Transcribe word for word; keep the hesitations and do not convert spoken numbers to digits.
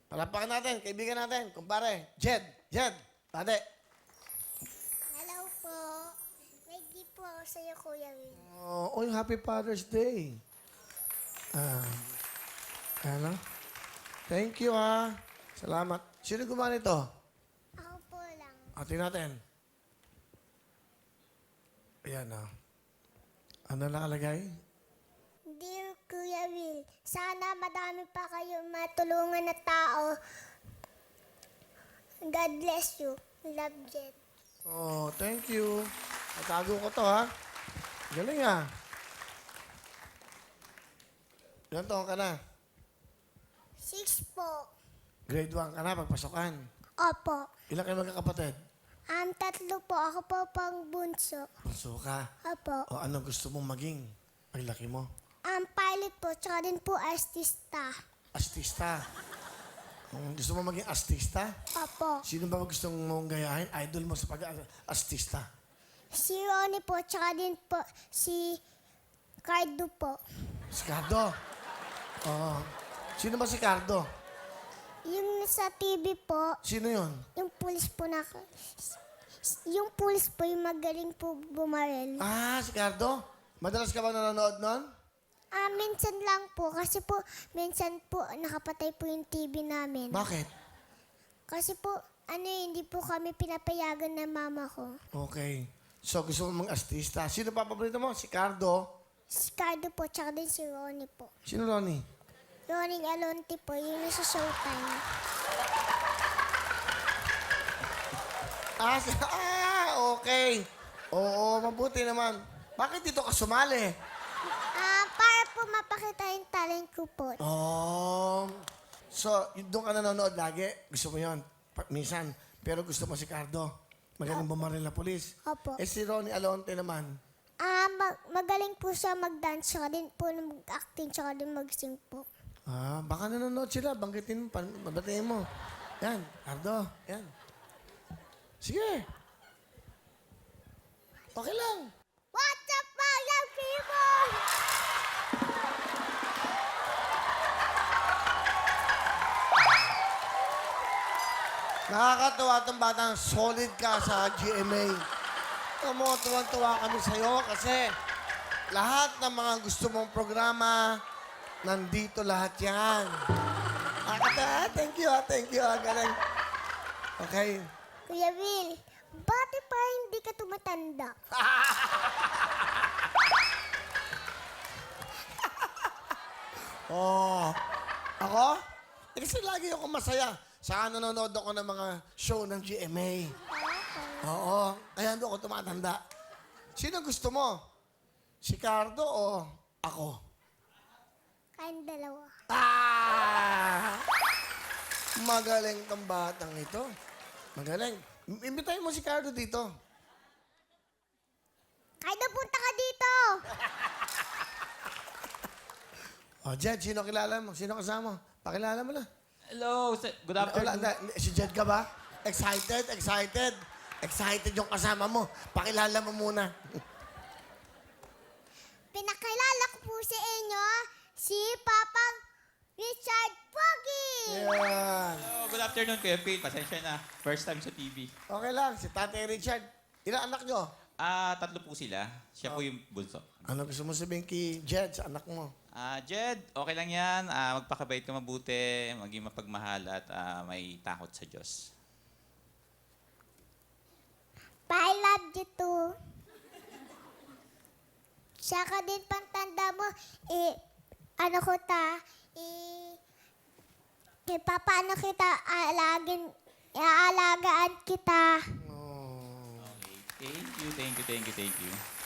Palapakan natin, kaibigan natin, kumpare. Jed, Jed, tate. Hello po. May gift po ako sa'yo, Kuya Will. Oh, oy, Happy Father's Day. Ah, ano? Thank you, ha. Salamat. Sino gumawa nito? Ako po lang. Atin natin. Ayan, ah. Ano nakalagay? Dear Kuya Will, sana madami pa kayong matulungan na tao. God bless you. Love, Jet. Oh, thank you. Natago ko to, ha. Galing, ah. Ilan taon ka na? Six po. Grade one ka na, pagpasokan. Opo. Ilan kayo magkakapatid? Um, tatlo po. Ako po pang bunso. Bunso ka. Opo. O ano gusto mong maging? Paglaki mo. Um, pilot po, tsaka din po artista. Artista. Kung gusto mo maging artista, Opo. sino ba gusto mong gayahin? Idol mo sa pag-artista. Si Ronnie po, tsaka din po si Cardo po. Si Cardo. Oo. Sino ba si Cardo? Yung sa T V po, Sino yon? yung pulis po na... Yung pulis po, yung magaling po bumarel. Ah, si Cardo? Madalas ka ba nanonood nun? Ah, minsan lang po. Kasi po, minsan po, nakapatay po yung T V namin. Bakit? Kasi po, ano eh, hindi po kami pinapayagan ng mama ko. Okay. So, gusto mo mag-artista. Sino pa paborito mo? Si Cardo. Si Cardo po, tsaka din si Ronnie po. Sino Ronnie? Ronnie Alonte po, yung nasa Showtime. Ah, si- ah, okay. Oo, mabuti naman. Bakit dito ka sumali? Ah, para po mapakita yung talent ko po. Oh. So, y- doon ka nanonood lagi? Gusto mo yun? Pa- minsan. Pero gusto mo si Cardo? Magaling bumaril na polis. Opo. Eh si Ronnie Alonte naman. Ah, mag- magaling po siya mag-dance, tsaka din po mag-acting, tsaka din mag-sing po. Ah, baka nanonood sila. Banggitin mo, pan- babatiin mo. Yan, Cardo. Yan. Sige. Okay lang. What's up, my young people? Nakakatuwa itong batang solid ka sa G M A. Ito mo, tuwang-tuwa kami sa'yo kasi lahat ng mga gusto mong programa, nandito lahat yan. Akata, thank you, ah, thank you, ah, galing. Okay. Kuya Will, bakit pa hindi ka tumatanda? Oh, ako? Eh, kasi lagi ako masaya. Saka nanonood ako ng mga show ng G M A. Oo, kaya doon ako tumatanda. Sino gusto mo? Si Cardo o ako? Kayong dalawa. Ah! Magaling tong batang ito. Magaling. I- Imbitahin mo si Cardo dito. Kaya punta ka dito! O, Jed, sino kilala mo? Sino kasama? Pakilala mo na. Hello, sir. Good Wala, afternoon. na, si Jed ka ba? Excited? Excited? Excited yung kasama mo. Pakilala mo muna. Pinakilala ko po sa inyo si Papang Richard Pogi! Yan. Hello, good afternoon, Kuya Phil. Pasensya na. First time sa T V. Okay lang, si Tatay Richard. Ilang anak nyo? Ah, tatlo po sila. Siya po yung bunso. Ano gusto mo sabihin kay Jed sa anak mo? Ah, Jed, okay lang yan. Ah, magpakabait ka mabuti, maging mapagmahal at ah, may takot sa Diyos. I love you too. Saka din pantanda mo, eh, ano ko ta, eh, eh, papaano kita alagin, aalagaan kita. Oh. Okay. Thank you, thank you, thank you, thank you.